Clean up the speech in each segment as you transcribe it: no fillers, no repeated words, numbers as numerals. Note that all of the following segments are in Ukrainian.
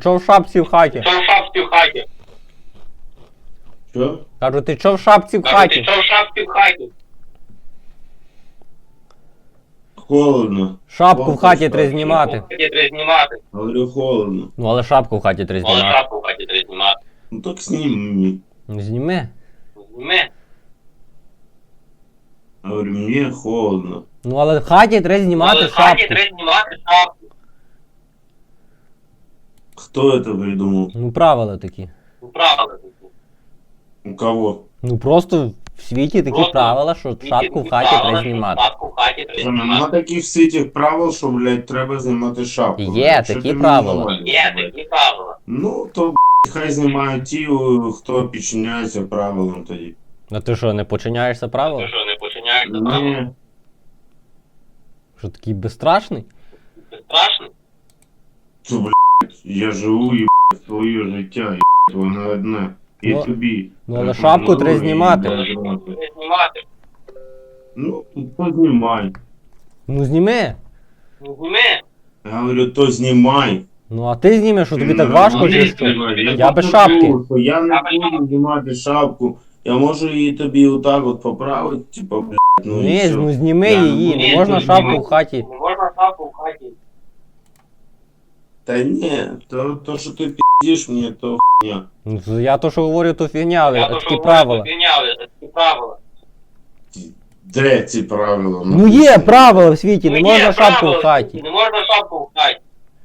чо в шапці в хаті? Що в шапці в хаті? Що? Кажу, ти чо в шапці в Кажу, ти хаті? що в шапці в хаті? Холодно. Шапку в хаті Шапку. треба знімати. В хаті треба знімати. Говорю, холодно. Ну але шапку в хаті треба Але знімати. шапку в хаті треба знімати. Ну так сними. Ну зніми. Зніми. Говорю, мне холодно. Ну але в хаті треба знімати Але в хаті шапку. треба знімати шапку. Кто это придумал? Ну правила такі. Ну, правила такі. У кого? Ну просто в світі такі Просто правила, що шапку в хаті треба знімати. Шапку в хаті треба Нема знімати. таких всіх цих правил, що, блядь, треба знімати шапку. Є Що такі ти правила. мені Є навалюєш, такі правила. Ну, то, хай знімають ті, хто підчиняється правилам тоді. А ти що, не починяєшся Ти правил? що, не починаєш за правила? Ні. Що такий безстрашний? Це страшно? То, блядь, я живу, їбать, своє життя, їбать, воно одне. І Ну, тобі. ну, але шапку треба знімати. Треба знімати. Ну, то знімай. Ну зніми. Ну, зніми. Я говорю, то знімай. Ну а ти знімеш, що тобі так Ну, важко ну, чи що? знімай. Я без покажу, шапки. що я не буду знімати шапку. Я можу її тобі отак от поправити, типа, блядь, ну і Ні, все. ну зніми Я не її, буду не можна це шапку знімати. в хаті. Не можна шапку в хаті. Та ні, то що ти піздиш мені, то хуйня. Ну то я то, що говорю, то фігня, але Я то, такі що правила. говорю, фігня, але це такі правила. Де ці правила? Ну є правила в світі, не Ну, можна є шапку правила, в хаті. Не можна шапку в хаті.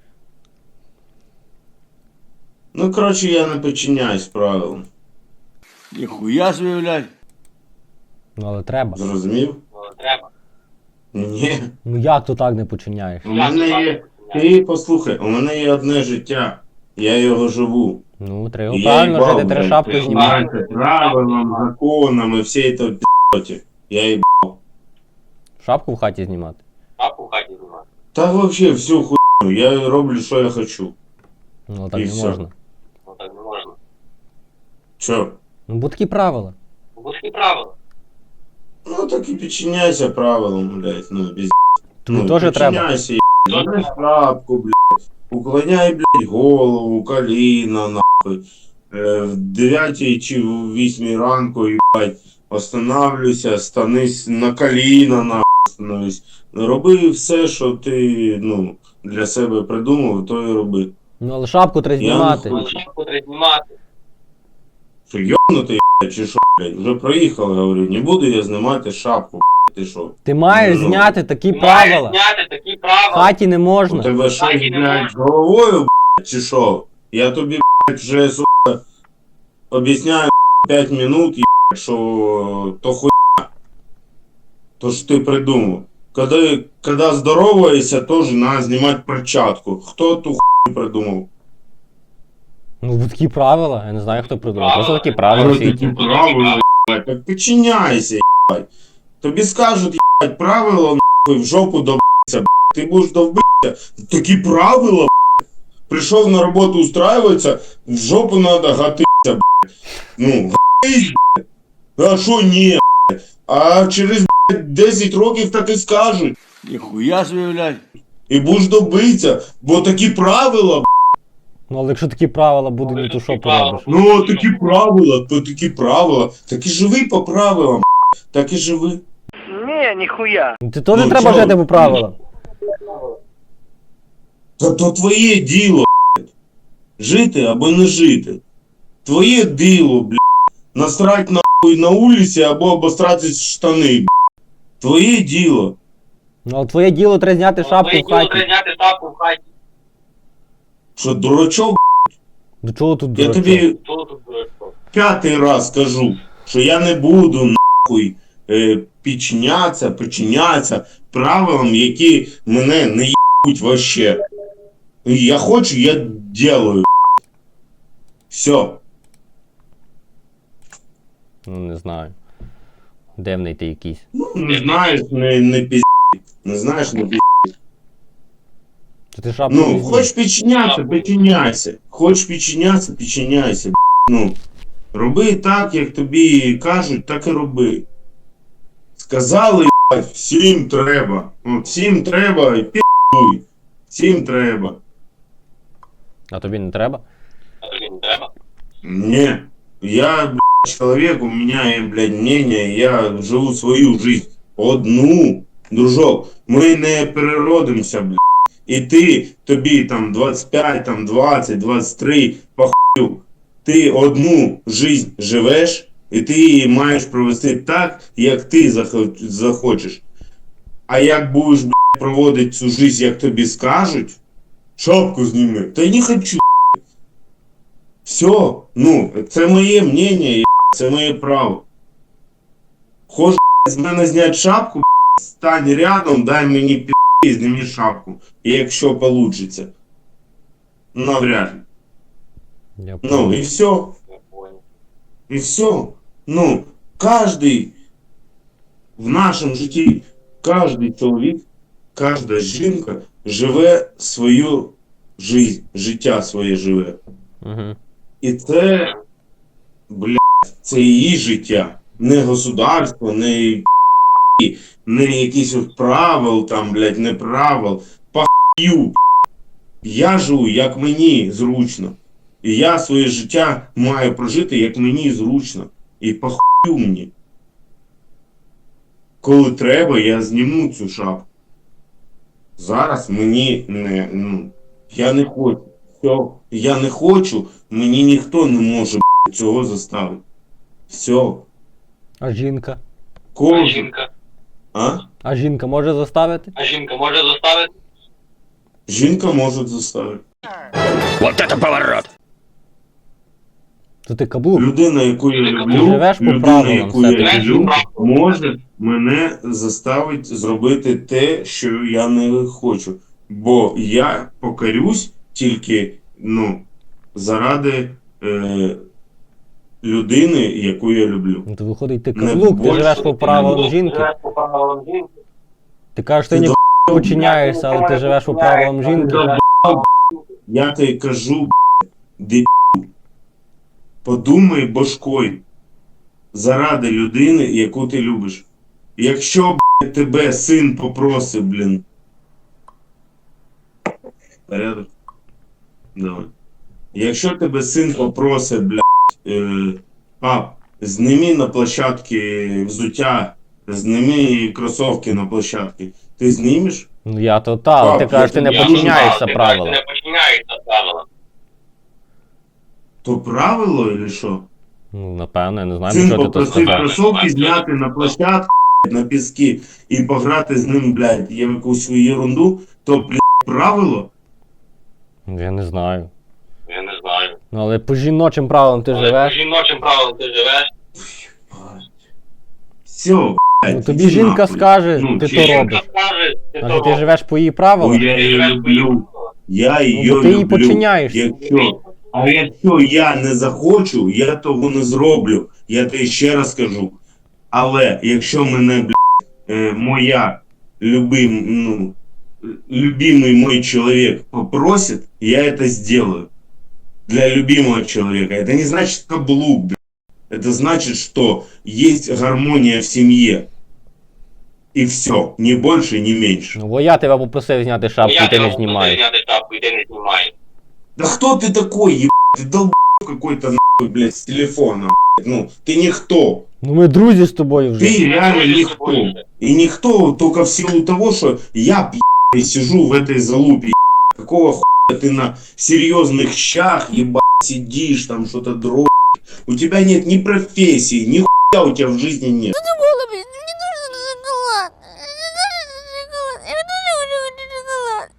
Ну, коротше, я не підчиняюсь правилам. Ніхуя собі, блядь. Ну але треба. Зрозумів? Ну, треба. Ні. Ну як то так не починяєш? У мене є. Ти послухай, у мене є одне життя. Я його живу. Ну треба І правильно їбав, жити, треба блядь, шапку ти знімати. знаєш, правилам, законам і всій той пі***оті. Я їбав. Шапку в хаті знімати. Шапку в хаті знімати. Та вообще всю хуйню. Я роблю, що я хочу. Ну так І не все. можна. Ну, так не можна. Чо? Ну бо такі правила. Бо такі правила. Ну так і підчиняйся правилам, блядь, ну без. Тобі теж треба. Підчиняйся, Забери шапку, блядь. Уклоняй, блядь, голову, коліна, нахуй. В 9 чи в 8 ранку, їбать, останавливайся, станись на коліна, нахуй, становись. Роби все, що ти, ну, для себе придумав, то і роби. Ну але шапку треба Я знімати. не Але шапку треба знімати. Що, йобнутий, блядь, чи що, блядь? Вже проїхав, говорю, не буду я знімати шапку, блядь, ти що? Ти маєш Ну, зняти такі Маєш правила. зняти такі В правила. хаті не У можна. тебе щось, Так і не блядь, можна. з головою, блядь, чи що? Я тобі, блядь, вже, сука, об'ясняю 5 минут, блядь, що то хуйня. То що ти придумав. Когда здороваешься, тоже надо знімати перчатку. Хто ту хуйню придумав? Ну бо такі правила. Я не знаю, хто придумав. Правила. Просто такі правила в Але світі. такі правила, блядь, так підчиняйся, блядь. Тобі скажуть, блядь, правила, нахуй, в жопу довбися, блядь. Ти будеш довбитися. Такі правила, блядь. Прийшов на роботу устраиваться, в жопу надо гатися, блядь. Ну, гатись, блядь. А що ні, блядь? А через, блядь, 10 років так і скажуть. Ніхуя собі, блядь. І будеш добитися, бо такі правила, блядь. Ну але якщо такі правила будуть, ну то що поробиш? Ну, такі правила, то такі правила. Так і живи по правилам, блядь. Так і живи. Не, нихуя. Ну ти теж Ну, треба чого? жити по правилам. То твоє діло, блядь. Жити або не жити. Твоє діло, блядь. Насрать нахуй на вулиці або обосрати штани, блядь. Твоє діло. Ну але твоє діло треба зняти шапку Твоє в діло хаті. треба зняти шапку в хаті. Що, дурачок? До чого тут Я дурачок? тобі Що тут дурачок? 5-й раз скажу, що я не буду нахуй підчинятися правилам, які мене не їбуть вообще. Я хочу, я делаю. Все. Ну не знаю. Дивний ти якийсь. Ну, не знаєш, не пізді. Не знаєш, не пізді. То ти шапку Ну, візьми. хочеш підчинятися, підчиняйся. Хочеш підчинятися, підчиняйся. Ну, роби так, як тобі кажуть, так і роби. Сказали, всім треба. Ну, всім треба і пі***уй. Всім треба. А тобі не треба? А тобі не треба? Не. Я, блядь, человек, у меня, блядь, мнение, я живу свою жизнь. Одну. Дружок, ми не переродимося, блядь. І ти, тобі там 25, там 20, 23, похую. Ти одну жизнь живеш, і ти її маєш провести так, як ти захочеш. А як будеш, блядь, проводити цю жизнь, як тобі скажуть, шапку зніми. Та я не хочу. Все, ну, це моє мнення, це моє право. Хочеш з мене зняти шапку, стань рядом, дай мені пі***, зніми шапку. І якщо получиться. Навряд ли. Я Ну, і все. Я понял. І все. Ну, кожний в нашому житті, кожний чоловік, кожна жінка живе свою життя своє живе. Угу. І це, блядь, це її життя. Не государство, не якісь от правил, там, блядь, не правил. Похую. Я живу, як мені зручно. І я своє життя маю прожити, як мені зручно. І похую мені. Коли треба, я зніму цю шапку. Зараз мені не, ну, я не хочу. Все, я не хочу, мені ніхто не може, блядь, цього заставити. Все. А жінка? А Кожен. жінка? А? А жінка може заставити? А жінка може заставити? Жінка може заставити. То ти каблук. Людина, яку я Ти люблю, живеш по людина, правилам, яку я все-таки. люблю, може мене заставить зробити те, що я не хочу. Бо я покорюсь тільки, ну, заради людини, яку я люблю. Ну то виходить, ти Не каблук, ти більше, живеш по правилам жінки. Живеш по правилам жінки. Ти кажеш, ти Ти ніколи не починяєшся, але ти живеш по правилам жінки. Я тобі кажу, дебіл, подумай башкою заради людини, яку ти любиш. Якщо, блядь, тебе син попросить, блін. Порядок? Давай. Якщо тебе син попросить, блядь, пап, зніми на площадці взуття, зніми кросовки на площадці. Ти знімеш? Ну я то та, але ти Так, кажеш, ти не я починяєшся Ти правилам. не починяєшся правилам. То правило, чи що? Ну, напевно, я не знаю, Син що ти то попросив сказав. кросовки зняти на площадку, на піски і пограти з ним, блядь, є якусь ерунду, то, блядь, правило? Ну, я не знаю. Я не знаю. Ну але по жіночим правилам ти Але по живеш. жіночим правилам ти живеш. Все, блядь, Ну тобі іди жінка нахуй. скаже, Ну, ти чи то жінка робиш. Скаже, ти А то ти робиш. живеш по її Бо правилам? я її люблю. Я її Ну, бо ти її люблю. починяєшся. Якщо я не захочу, я того не зроблю. Я тобі ще раз кажу. Але якщо мене, блядь, моя любимый мой человек попросит, я это сделаю. Для любимого человека. Это не значит каблук, блядь. Это значит, что есть гармония в семье. И все. Ни больше, ни меньше. Ну бо я тебе попросив зняти шапку, Я і ти не тебе знімаєш. зняти шапку, і ти не знімаєш. Да кто ты такой, ебать? Ты долб какой-то, нахуй, блядь, с телефона, блядь. Ну, ты никто. Ну ми друзі з тобою вже. Ты реально Друзі з никто. тобою. И никто только в силу того, что я, блядь, сижу в этой залупе, ебать. Какого хуя ты на серьезных щах, ебать, сидишь, там что-то дрочишь. У тебя нет ни профессии, ни хуя у тебя в жизни нет. Голубь, мне нужен шоколад. Мне нужен шоколад. Я люблю шоколад.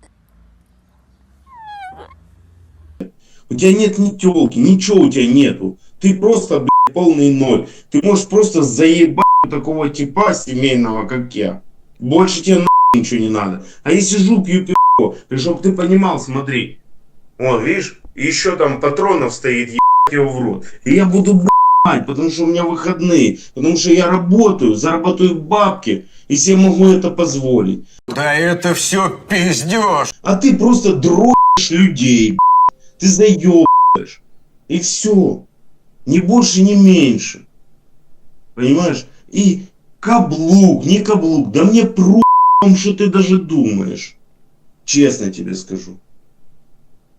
У тебя нет ни тёлки, ничего у тебя нету. Ты просто, блядь, полный ноль. Ты можешь просто заебать такого типа семейного, как я. Больше тебе нахуй ничего не надо. А я сижу, пью пиво. И чтоб ты понимал, смотри. Вот, видишь, еще там патронов стоит, ебать его в рот. И я буду блядь, потому что у меня выходные. Потому что я работаю, зарабатываю бабки. И себе могу это позволить. Да это все пиздеж. А ты просто дрочишь людей, блядь. Ты заебаешь. И все. Ни больше, ни меньше. Понимаешь? И каблук, не каблук. Да мне про***, что ты даже думаешь. Честно тебе скажу.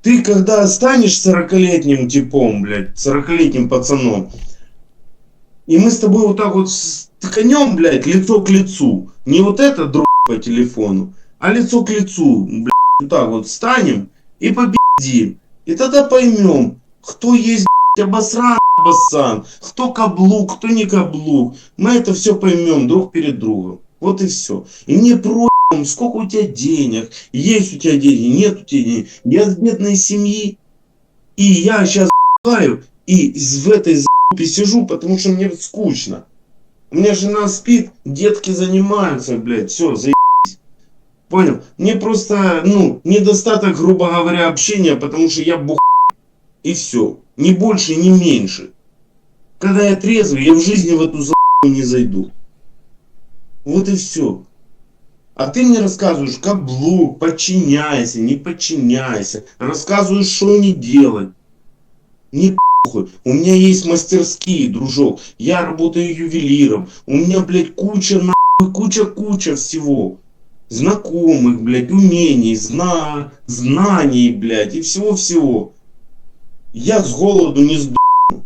Ты когда станешь 40-летним типом, блядь, 40-летним пацаном, и мы с тобой вот так вот стыканем, блядь, лицо к лицу, не вот это друг по телефону, а лицо к лицу, блядь, вот так вот встанем и победим. И тогда поймем, кто есть, блядь, обосран, басан, кто каблук, кто не каблук. Мы это все поймем друг перед другом. Вот и все. И мне сколько у тебя денег, есть у тебя деньги, нет у тебя денег. Я с бедной семьи, и я сейчас и в этой за***пе сижу, потому что мне скучно. У меня жена спит, детки занимаются, блядь, все, заебись. Понял? Мне просто, недостаток, грубо говоря, общения, потому что я бухаю. И все. Ни больше, ни меньше. Когда я трезвый, я в жизни в эту за***у не зайду. Вот и все. А ты мне рассказываешь, каблук, подчиняйся, не подчиняйся. Рассказываешь, что не делать. Не похуй. У меня есть мастерские, дружок. Я работаю ювелиром. У меня, блядь, куча всего. Знакомых, блядь, умений, знаний, блядь, и всего-всего. Я с голоду не сдохну.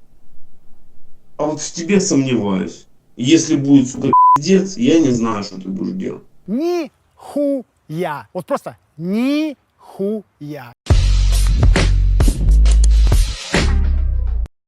А вот в тебе сомневаюсь. Если будет, сука, пиздец, я не знаю, что ты будешь делать. Нихуя. Вот просто нихуя.